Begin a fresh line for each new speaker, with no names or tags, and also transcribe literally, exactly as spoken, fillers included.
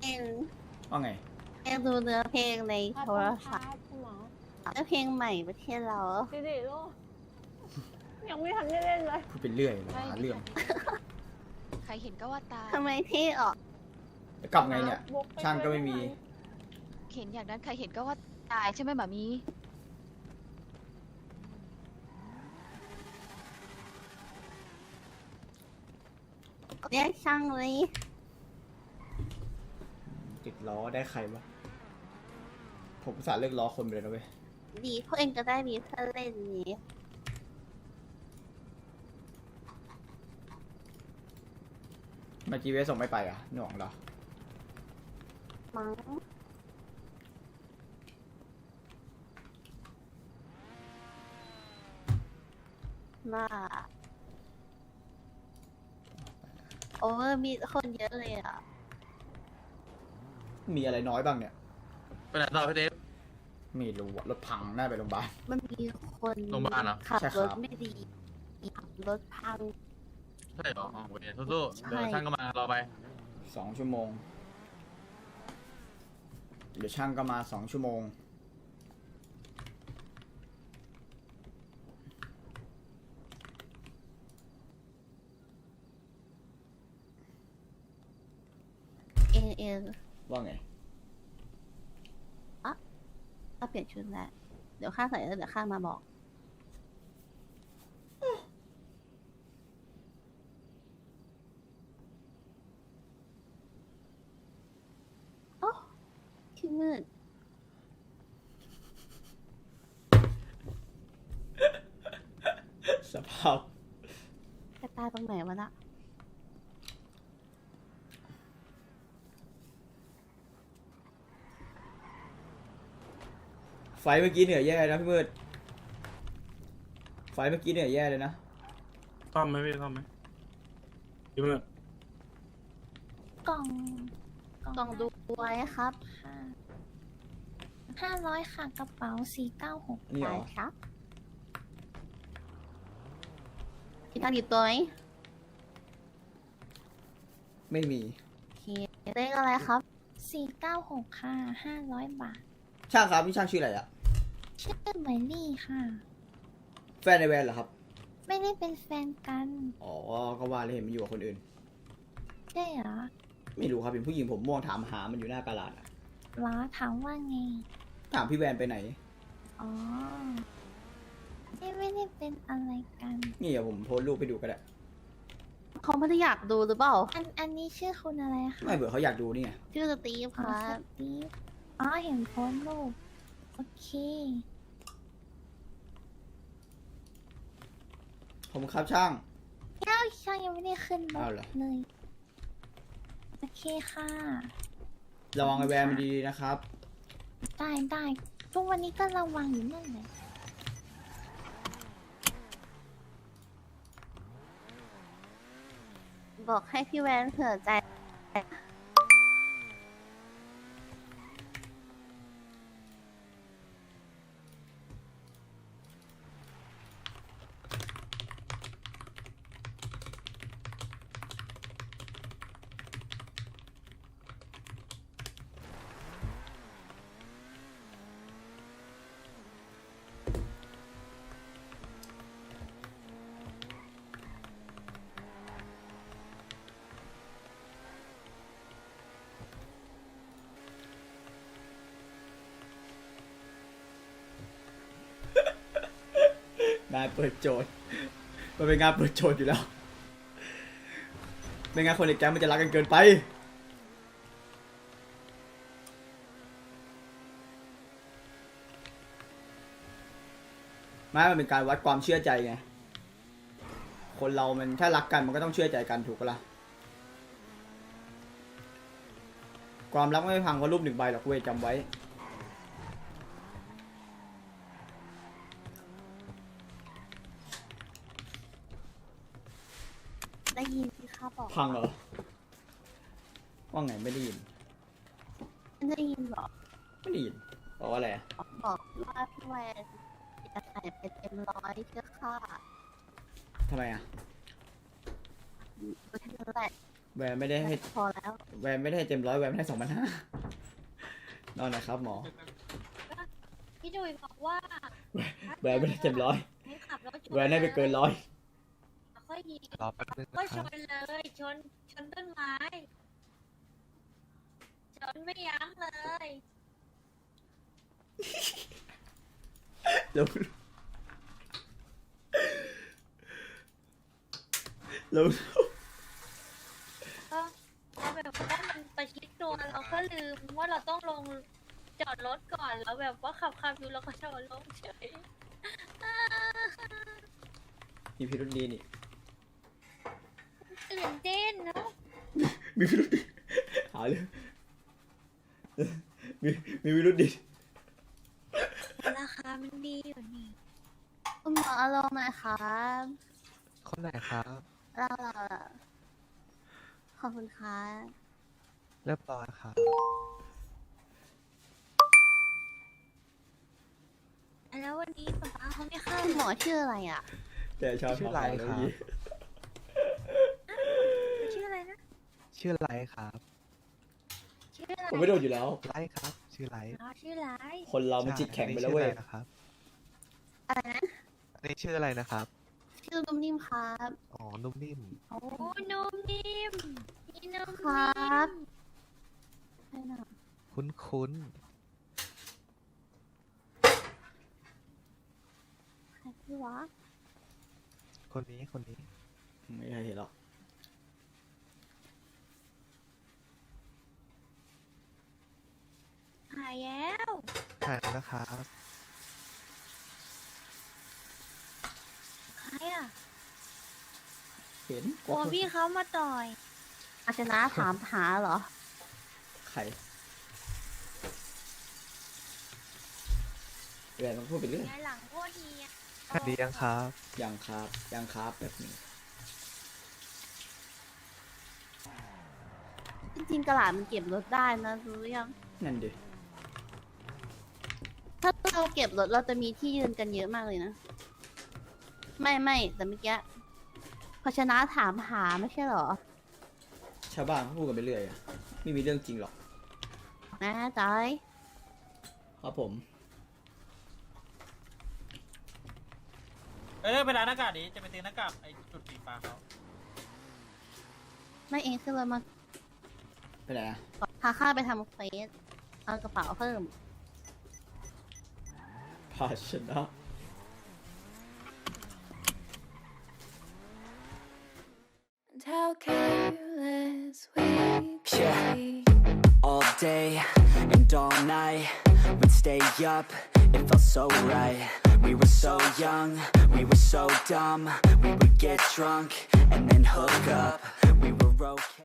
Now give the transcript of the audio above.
ง
ว่าไง
เองดูเนื้อเพลงในโทรศัพท์
คุณหมอ
เนื้อเพลงใหม่ประเทศเรา
ดิดิลูกยังไม่ทันได้เล่นเลย
พูดเป็นเรื่อยหาเรื่อง
ใครเห็นก็ว่าตาย
ทำไมเท่ออก
จะกลับไงเนี่ย
บุกป
ช่างก็ไม่มี
เห็นอย่างนั้นใครเห็นก็ว่าตายใช่ไหมหมามี
เรียกช่างเลย
ติดล้อได้ใครวะผมอุตสาห์เลิกล้อคนไปเลยนะเว้ย
ดีพวกเองก็ได้มีเพื่อนเล่นนี้
มาจีเวส่งไม่ไปอ่ะหน่วงเหรอ
มั้งน่าโอเวอร์มีคนเยอะเลยอ่ะ
มีอะไรน้อยบ้างเนี่ย
ไปไหนต่อพี่เดฟ
ไม่รู้อะรถพังน่าไปโรงพยาบาล
มันมีคน
โรงพยาบาลเหรอ
ขับ
ใช่ค
ร
รับ
ถไม่ดีขับรถพัง
ใช่เหรออ๋อโอเคสู้ๆ
ใช่
เดี๋ยวช่างก็มารอไป
สองชั่วโมง เดี๋ยวช่างก็มาสองชั่วโมง
เองเอง
ว่าไง
ก็เปลี่ยนชุดแล้วเดี๋ยวข้าใส่แล้วเดี๋ยวข้ามาบอก โอ้ที่มืด
สภาพ
กระตายตรงไหนวะน่ะ
ไฟเมื่อกี้เหนื่อยแย่นะพี่มืด ไฟเมื่อกี้เหนื่อยแย่เลยนะ
ซ่อมไหมพี่ซ่อมไหมพี่มืด
กล่อง
กล่องดูไว้ครับ
ค่ะห้าร้อยค่ะกระเป๋าสี่เก้าหก
นี่เหร
ได้
อ
ครับมีตังค์อยู่ตัวไหม
ไม่มี
โอเคเลขอะไรครับ
สี่เก้าหกค่ะห้าร้อยบาท
ช่างครับพี่ช่างชื่ออะไรอะ
ชื่อเหมยลี่ค่ะ
แฟนในแวนเหรอครับ
ไม่ได้เป็นแฟนกัน
อ๋อ ก็ว่าเลยเห็นมันอยู่กับคนอื่น
ใช่เหรอ
ไม่รู้ครับเป็นผู้หญิงผมม่วงถามหามันอยู่หน้ากาลาดอะ
เหรอถามว่าไง
ถามพี่แวนไปไหน
อ๋อไม่ไม่ได้เป็นอะไรกัน
นี่เดี๋ยวผมโพสต์รูปไปดูก็ได้
เขาไม่ได้อยากดูหรือเปล่า
อันอันนี้ชื่อคุณอะไรคะ
ไม่เบื่อเขาอยากดูนี่ไง
ชื่อสตีฟค
อ๋อ
รั
ส
บ
ตีฟอ๋อเห็นโพสต์รูปโอเค
ผมครับช่าง
เอ้าช่างยังไม่ได้ขึ้นร
เอา
ถ
เหรอ
เลย โอเคค่ะ
ระวังไอแวนมันดีๆนะครับ
ได้ได้ทุกวันนี้ก็ระวังอยู่นั่นแหละ
บอกให้พี่แวนเผื่อใจ
งานเปิดโจทย์ มันเป็นงานเปิดโจทย์อยู่แล้ว ไม่งั้นคนในแก๊งมันจะรักกันเกินไป ไม่มันเป็นการวัดความเชื่อใจไง คนเรามันถ้ารักกันมันก็ต้องเชื่อใจกันถูกปะล่ะ ความรักไม่พังเพราะรูปหนึ่งใบหรอกเว้ยจำไว้
ได้ยินที่ข้าบอก
พังเหรอ ว่าไงไม่ได้ยิน
ไม่ได้ยินหรอ
ไม่ได้ยินบอกว่าอะไรอะ
บอกว่าพี่แวนจะใส่เป็นเต็มร้อยเพื่อข้า
ทำไมอ่ะ
ก็แค่นั้นแหละ
แวนไม่ได้ให้
พอแล้ว
แวนไม่ได้ให้เต็มร้อยแวนไม่ได้สองพันห้านอนหนะครับหมอ
พี่ดุยบอกว่า
แวนไม่ได้เต็มร้อย
ให้ขับรถชน
แวนได้ไปเกินร้อย
ค่อยยิง
รอแป๊บนึง
ก็
นะค
ช
รับ
นเลยชนชนต้นไม้ชนไม่ยั้งเลย
ลุงลุง
ก็เราแบบว่ามันประชิดตัวเราก็ลืมว่าเราต้องลงจอดรถก่อนแล้วแบบว่าขับขับอยู่เราก็จอดลงเฉย
มีพิรุธดีนี่
ตื่นเต้นเนาะ
มีพิรุธดีหาเลยมีมีพิรุธดี
ราคามันดีอยู่นี่
คุณหมออารมณ์หน่อยครับ
คนไหนครับ
เราเราเราขอบคุณครับ
เรียบร้อยครับ
แล้ววันนี้ป๊าป๊าเขาไม่เข้า
คุณหมอชื่ออะไรอ่ะ
แต่ชอบ
ชื่ออะไรครับ
ชื่ออะไรนะ
ชื่อไรครับ
ชื่ออะไร
ผมไม่โดนอยู่แล้ว
ไรครับ ชื่อไร
อ๋อชื่ออะไร
คนเรามันจิตแข็งไปแล้วเว้ย
ชื่ออะไรนะครับ
อะไรนะ
อันนี้ชื่ออะไรนะครับ
ชื่อนุ่มนิ่มครับ
อ๋อ นุ่มนิ่ม
โอ้นุ่มนิ่มนี่นุ่ม
ครั
นิ่
บ
ม
ใช่น่ะ
คุ้นคุ้น
ใครพี่วะ
ๆคนนี้ คนนี้
ไม่เคยเห็นหรอก
หายแล้ว
หายนะครับ
ใครอ่ะ
เห็น
กลัวพี่เขามาต่อย
อาชนะถามหาเหรอ
ใครแวนมันพูดไปเรื่อย
ยายหลังโคตรดีอ่ะ
สวัสดียังครับ
ยังครับยังครับแบบนี้
จริงๆกระหลาดมันเก็บรถได้นะรู้หรือยัง
นั่นดิ
ถ้าเราเก็บรถเราจะมีที่ยืนกันเยอะมากเลยนะ ไม่ไม่แต่เมื่อกี้พอชนะถามหาไม่ใช่เหรอ
ชาวบ้านเขาพูดกันไปเรื่อยอะไม่มีเรื่องจริงหรอก
แน่ใจ
ครับผม
เอ้ยไปร้านหน้ากากดิจะไปซื้อหน้ากากไอ้จุดสีฟ้าเขา
ไม่เองขึ้นรถมา
ไปไหนอะ
พาข้าไปทำเฟสเอากระเป๋าเพิ่ม
ภาชนะ
How careless we could
Yeah.
be.
All day and all night, we'd stay up, it felt so right. We were so young, we were so dumb. We would get drunk and then hook up. We were okay.